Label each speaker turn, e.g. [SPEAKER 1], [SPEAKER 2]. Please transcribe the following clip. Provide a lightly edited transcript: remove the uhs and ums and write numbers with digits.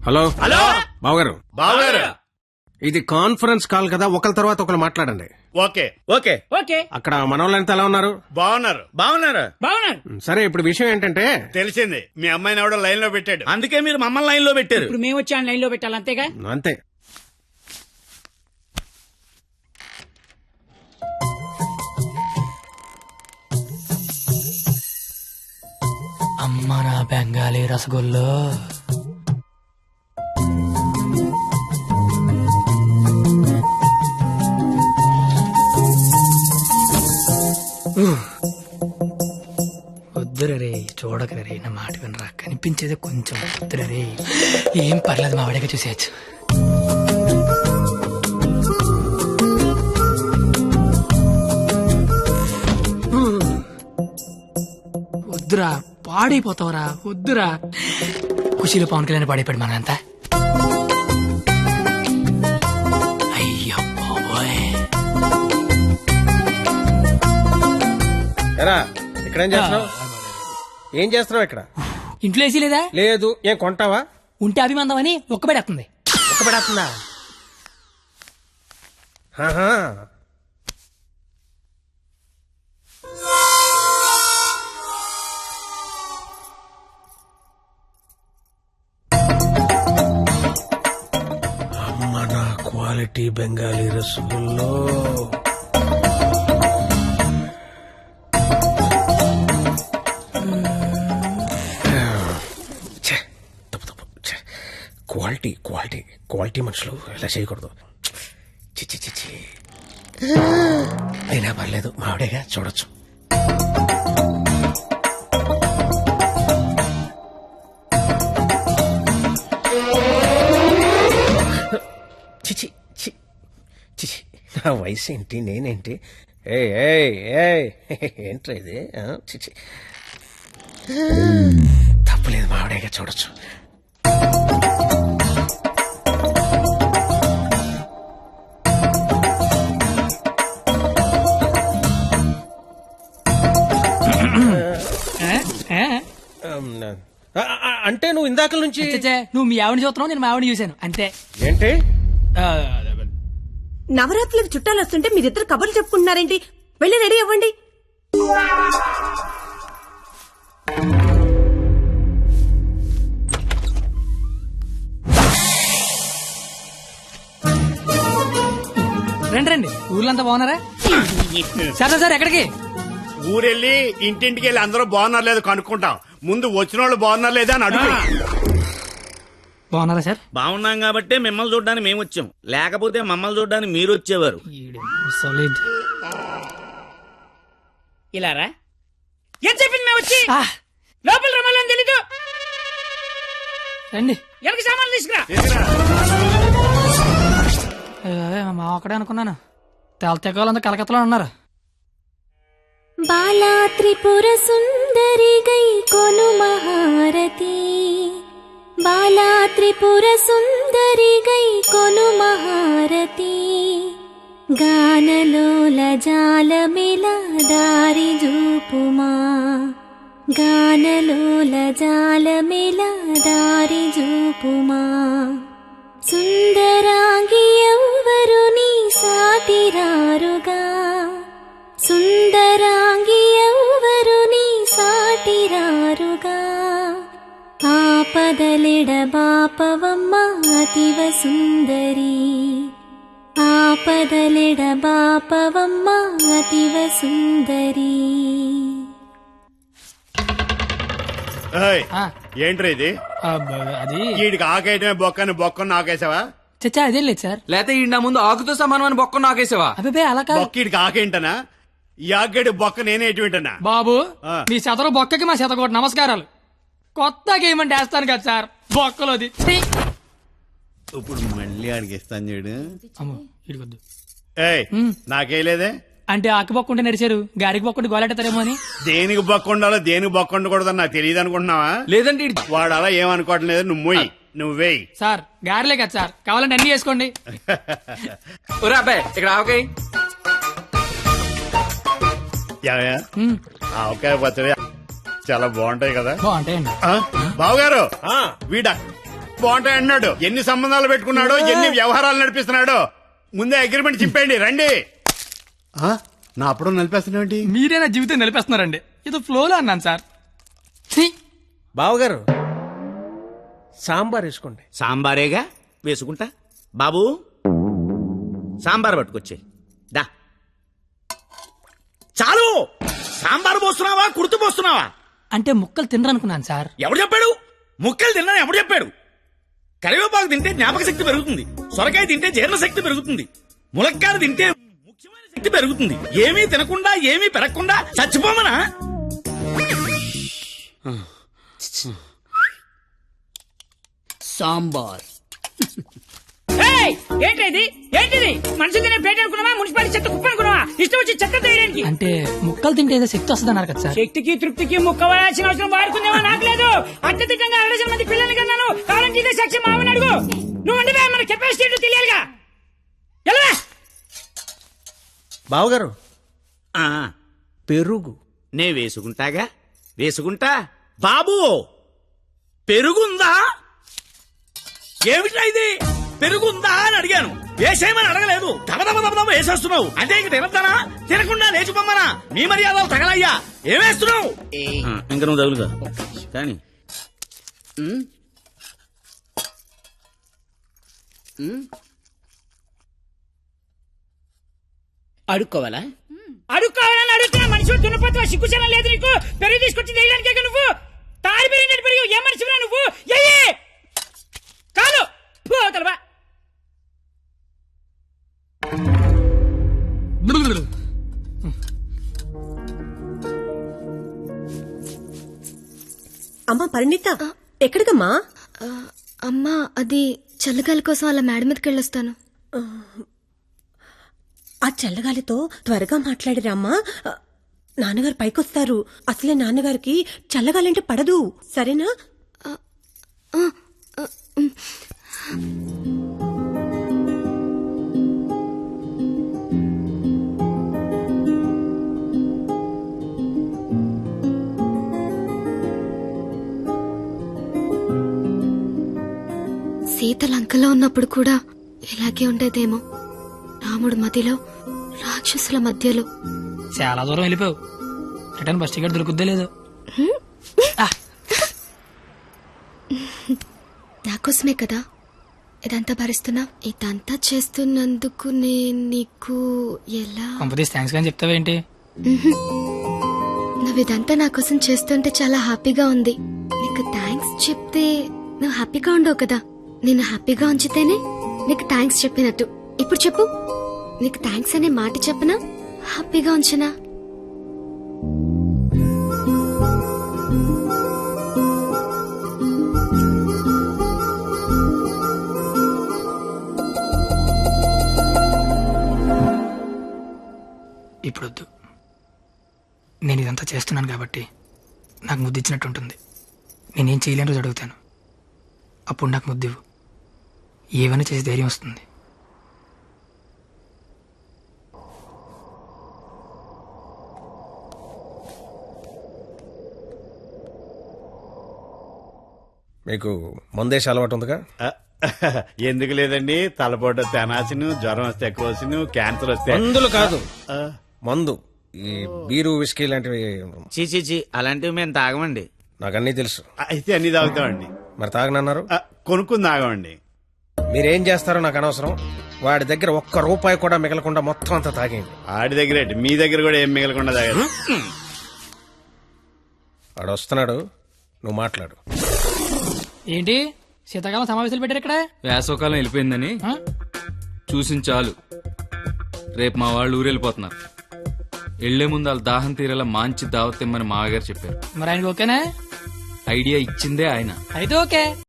[SPEAKER 1] Hello
[SPEAKER 2] hello
[SPEAKER 1] బావగారు,
[SPEAKER 2] బావగారు.
[SPEAKER 1] ఇది కాన్ఫరెన్స్ కాల్ కదా, ఒకరి తర్వాత ఒకరు మాట్లాడండి.
[SPEAKER 2] ఓకే ఓకే
[SPEAKER 3] ఓకే
[SPEAKER 1] అక్కడ మనోళ్ళంతా ఎలా ఉన్నారు?
[SPEAKER 2] బాగున్నారు బాగున్నారు.
[SPEAKER 3] బాగున్నారు.
[SPEAKER 1] సరే, ఇప్పుడు విషయం ఏంటంటే
[SPEAKER 2] తెలిసింది, మీ అమ్మాయిని ఎవడో లైన్ లో పెట్టాడు.
[SPEAKER 4] అందుకే మీరు మమ్మల్ని లైన్ లో పెట్టారు.
[SPEAKER 3] ఇప్పుడు మేము వచ్చి లైన్ లో పెట్టాలి అంతేగా.
[SPEAKER 1] అంతే.
[SPEAKER 5] అమ్మ నా బెంగాలీ రసగుల్లో. వద్దురే రే, చూడకరే రే, నా మాట వినరా, కనిపించేది కొంచెం వద్దురే రే. ఏం పర్లేదు, మా వాడిగా చూసేయచ్చు. వద్దురా, పాడైపోతావురా, వద్దురా. ఖుషీలో పవన్ కళ్యాణ్ పాడైపోయాడు మనంతా. అయ్యో బాబోయ్.
[SPEAKER 1] ఎరా, ఇక్కడ ఏం చేస్తున్నావు? ఏం చేస్తున్నావు ఇక్కడ?
[SPEAKER 5] ఇంట్లో వేసి లేదా?
[SPEAKER 1] లేదు. ఏం కొంటావా?
[SPEAKER 5] ఉంటే అభిమందం అని ఒక్కబెడేస్తుంది.
[SPEAKER 1] ఒక్కబడేస్తుందా? అమ్మ నా quality Bengali rasgulla. Quality quality quality మనుషులు ఇలా చేయకూడదు. చిచ్చి చిచ్చి. అయినా పర్లేదు, మావిడేగా, చూడొచ్చు. చిచి చిచి, నా వయసు ఏంటి, నేనేంటి? ఏంట్రా ఇది? చిచి, తప్పలేదు, మావిడేగా, చూడొచ్చు. అంటే నువ్వు ఇందాక నుంచి
[SPEAKER 5] నువ్వు మీ ఆవిడ చూస్తున్నావు, నేను మా ఆవిడ చూశాను అంతే.
[SPEAKER 1] ఏంటి?
[SPEAKER 6] నవరాత్రులకు చుట్టాలు వస్తుంటే మీరిద్దరు కబుర్లు చెప్పుకుంటున్నారేంటి? వెళ్ళి రెడీ అవ్వండి.
[SPEAKER 5] రండి రండి, ఊర్లంతా బాగున్నారా? సరే సార్, ఎక్కడికి?
[SPEAKER 2] ఊరెళ్ళి ఇంటింటికి వెళ్ళి అందరూ బాగున్నారు లేదు కనుక్కుంటాం. ముందు వచ్చిన వాళ్ళు బాగున్నారు లేదా అని అడుగు.
[SPEAKER 5] బాగున్నారా సార్?
[SPEAKER 4] బాగున్నాం కాబట్టి మిమ్మల్ని చూడడానికి మేము వచ్చాం, లేకపోతే మమ్మల్ని చూడడానికి మీరు వచ్చేవారు.
[SPEAKER 5] సాలిడ్.
[SPEAKER 3] ఇలారా ఏం చెప్పింది మేము వచ్చి లోపల రమ్మాలని తెలీదు.
[SPEAKER 5] రండి.
[SPEAKER 3] ఎవరికి సామాన్లు తీసుకురా.
[SPEAKER 5] మా ఒక్కడే అనుకున్నాను, తెలతెక్కలంతా కలకత్తలో ఉన్నారు.
[SPEAKER 7] బాలా త్రిపుర సుందరి గై కొను మహారతి, బాలా త్రిపుర సుందరి గై కొను మహారతి, గానలోల జాలమిల దారి జూపుమా, గానలోల జాలమిల దారి జూపుమా, సుందరాంగి ఎవ్వరు నీ సాటిరారుగా, సుందరాంగి ఎవ్వరు నీ సాటిరారుగా, ఆపదలిడ బాపవమ్మ అతివ సుందరి, ఆపదలిడ బాపవమ్మ అతివ సుందరి.
[SPEAKER 2] ఏంట్రా ఇది?
[SPEAKER 5] అది
[SPEAKER 2] వీడికి ఆకేయటమే బొక్కని బొక్కను నాకేసావా?
[SPEAKER 5] చచ్చా, అదేం లేదు సార్.
[SPEAKER 8] లేకపోతే ఈ నా ముందు ఆకుతో సమానమైన బొక్క నాకేసావా?
[SPEAKER 5] అబ్బాయి అలా కాదు.
[SPEAKER 2] బొక్క వీడికి ఆకేంటనా? ఈ ఆకేడు బొక్క నేనే ఎటు వింటనా?
[SPEAKER 5] బాబు, మీ శతరు బొక్కకి మా శతకోటి నమస్కారాలు. కొత్త గేమ్ అంటే వేస్తాను కదా సార్, బొక్కలోది.
[SPEAKER 2] ఇప్పుడు మళ్ళీ అడిగిస్తాను చూడు.
[SPEAKER 5] అమ్మో, ఇడికొద్దు.
[SPEAKER 2] ఏయ్, నాకేలేదే.
[SPEAKER 5] అంటే ఆకి బొక్కుంటే నడిచారు, గారికి బొక్కుంటే గోలెట్టారేమో అని.
[SPEAKER 2] దేనికి బొక్క ఉండాలో దేనికి బొక్క ఉండకూడదని నాకు తెలియదు అనుకుంటున్నావా?
[SPEAKER 8] లేదంటే
[SPEAKER 2] వాడు అలా ఏమనుకోవటం లేదు. నువ్వు మొయ్యి, నువ్వేయి.
[SPEAKER 5] సార్ గారిలే కదా సార్, కావాలంటే అన్ని వేసుకోండి.
[SPEAKER 8] ఒరే అబ్బాయి, ఇక్కడ ఆవకాయ.
[SPEAKER 2] ఆవకాయ పచ్చడి చాలా బాగుంటాయి కదా.
[SPEAKER 5] బాగుంటాయండి.
[SPEAKER 2] బావగారు, వీడ బాగుంటాయి అన్నాడు. ఎన్ని సంబంధాలు పెట్టుకున్నాడో, ఎన్ని వ్యవహారాలు నడిపిస్తున్నాడో. ముందే అగ్రిమెంట్ చెప్పండి రండి. ఆ, నా అప్పుడు నడిపేస్తున్నాండి.
[SPEAKER 5] మీరే నా జీవితం నిలిపేస్తున్నారండి. ఇది ఫ్లోలో అన్నాను సార్. ఛీ!
[SPEAKER 1] బావగారు సాంబార్ వేసుకోండి.
[SPEAKER 4] సాంబారేగా వేసుకుంటా. బాబు సాంబార్ పట్టుకొచ్చే దా. చాలు. సాంబార్ పోస్తున్నావా, కుర్తు పోస్తున్నావా?
[SPEAKER 5] అంటే ముక్కలు తినరనుకున్నాను సార్.
[SPEAKER 4] ఎవడు చెప్పాడు? ముక్కలు తిన్నా ఎవడు చెప్పాడు? కరివేపాకు తింటే జ్ఞాపక శక్తి పెరుగుతుంది, సొరకాయ తింటే జీర్ణ శక్తి పెరుగుతుంది, ములక్కాయ తింటే ముఖ్యమైన శక్తి పెరుగుతుంది. ఏమీ తినకుండా ఏమీ పెరగకుండా చచ్చిపోమనా?
[SPEAKER 3] సాంబార్. ఏంటిది ఏంటిది? మనుషులు తినే ప్లేట్ అనుకున్నావా, మున్సిపాలిటీ చెత్త కుప్ప అనుకున్నావా? ఇష్టం వచ్చి చెత్త తీయడానికి.
[SPEAKER 5] అంటే ముక్కలు తింటే ఏదో శక్తి వస్తుంది అన్నారు కదా సార్.
[SPEAKER 3] శక్తికి తృప్తికి ముక్క వేయాల్సిన అవసరం వాడుకుందేమో నాకు లేదు. అత్యధికంగా 60 మంది పిల్లల్ని కన్నాను. కావాలంటే ఇదే సాక్షి మామని అడుగు. నువ్వు అంటే మన కెపాసిటీ తెలియాలిగా. ఎలా
[SPEAKER 1] బావగారు
[SPEAKER 4] ఆ,
[SPEAKER 1] పెరుగు
[SPEAKER 4] నే వేసుకుంటాగా, వేసుకుంటా. బాబు పెరుగుందా? ఏమిటా ఇది? పెరుగుందా అని అడిగాను, వేసేయమని అడగలేదు. దబదబ వేసేస్తున్నావు. అంటే ఇంక తినద్దానా? తినకుండా లేచిపోమ్మనా? మీ మర్యాదలు తగలయ్యా. ఏమేస్తున్నావు? ఇంక నువ్వు తగులుగా కానీ
[SPEAKER 3] అడుక్కోవాలా? అడుక్కోవాలని అడుగుతున్నా. మనిషి దున్నపోతున్నా, సిగ్గుచనం లేదు నీకు. పెరుగు తీసుకొచ్చి వేయడానికే నువ్వు తాడి పెరిగినట్టు పెరుగు. ఏ మనిషిరా నువ్వు? ఎయ్యి కాదు పోతలవా.
[SPEAKER 6] అమ్మా పరిణిత, ఎక్కడికమ్మా?
[SPEAKER 7] అమ్మా అది చల్లగాలి కోసం అలా మేడ మీదకి వెళ్ళొస్తాను.
[SPEAKER 6] ఆ చల్లగాలితో త్వరగా మాట్లాడిరామ్మా. నాన్నగారు పైకొస్తారు. అసలే నాన్నగారికి చల్లగాలంటే పడదు. సరేనా?
[SPEAKER 7] సీత లంకలో ఉన్నప్పుడు కూడా ఇలాగే ఉండేదేమో. రాముడు మదిలో, రాక్షసుల మధ్యలో.
[SPEAKER 5] చాలా దూరం వెళ్ళిపోయావు. రిటర్న్ బస్ టికెట్ దొరుకుద్దే లేదు.
[SPEAKER 7] నాకోసమే కదా ఇదంతా భరిస్తున్నా. ఇదంతా చేస్తున్నందుకు నేను నీకు ఎలా
[SPEAKER 5] కంపెనీస్ థ్యాంక్స్ కానీ చెప్తావేంటి?
[SPEAKER 7] నువ్వు ఇదంతా నా కోసం చేస్తుంటే చాలా హ్యాపీగా ఉంది. నీకు థ్యాంక్స్ చెప్తే నువ్వు హ్యాపీగా ఉండవు కదా. నేను హ్యాపీగా ఉంచితేనే నీకు థ్యాంక్స్ చెప్పినట్టు. ఇప్పుడు చెప్పు, నీకు థ్యాంక్స్ అనే మాట చెప్పనా, హ్యాపీగా ఉంచనా?
[SPEAKER 5] ఇప్పుడొద్దు. నేను ఇదంతా చేస్తున్నాను కాబట్టి నాకు ముద్దు ఇచ్చినట్టు ఉంటుంది. నేనేం చేయలేని రోజు అడుగుతాను, అప్పుడు నాకు ముద్దివ్వు. ఏమైనా చేసి ధైర్యం వస్తుంది.
[SPEAKER 1] మీకు మందేసి అలవాటు ఉందిగా?
[SPEAKER 2] ఎందుకు లేదండి? తలపోట తెనాసిను, జ్వరం వస్తే కోసిను, క్యాన్సర్ వస్తే
[SPEAKER 1] మందులు కాదు, మందు. ఈ బీరు విస్కీ లాంటివి
[SPEAKER 4] చీ అలాంటివి మేము తాగమండి.
[SPEAKER 1] నాకు అన్నీ తెలుసు.
[SPEAKER 2] అయితే అన్ని తాగుతామండి.
[SPEAKER 1] మరి తాగనన్నారు?
[SPEAKER 2] కొనుక్కుని తాగమండి.
[SPEAKER 1] మీరేం చేస్తారో నాకు అనవసరం. వాడి దగ్గర ఒక్క రూపాయి కూడా మిగలకుండా మొత్తం అంతా తాగేయండి.
[SPEAKER 2] ఆడి దగ్గర ఏంటి? మీ దగ్గర కూడా ఏం మిగలకుండా తాగారు.
[SPEAKER 1] వాడు వస్తున్నాడు, నువ్వు మాట్లాడు.
[SPEAKER 5] ఏంటి శీతాకాలం సమావేశాలు పెట్టారు ఇక్కడ?
[SPEAKER 8] వేసవకాలం వెళ్ళిపోయిందని చూసింది చాలు. రేపు మా వాళ్ళు ఊరెళ్ళిపోతున్నారు. వెళ్లే ముందు వాళ్ళ దాహం తీరేలా మంచి దావత్ ఇమ్మని మామగారు చెప్పారు.
[SPEAKER 5] మరి ఆయనకి ఓకేనా?
[SPEAKER 8] ఐడియా ఇచ్చిందే ఆయన.
[SPEAKER 5] అయితే ఓకే.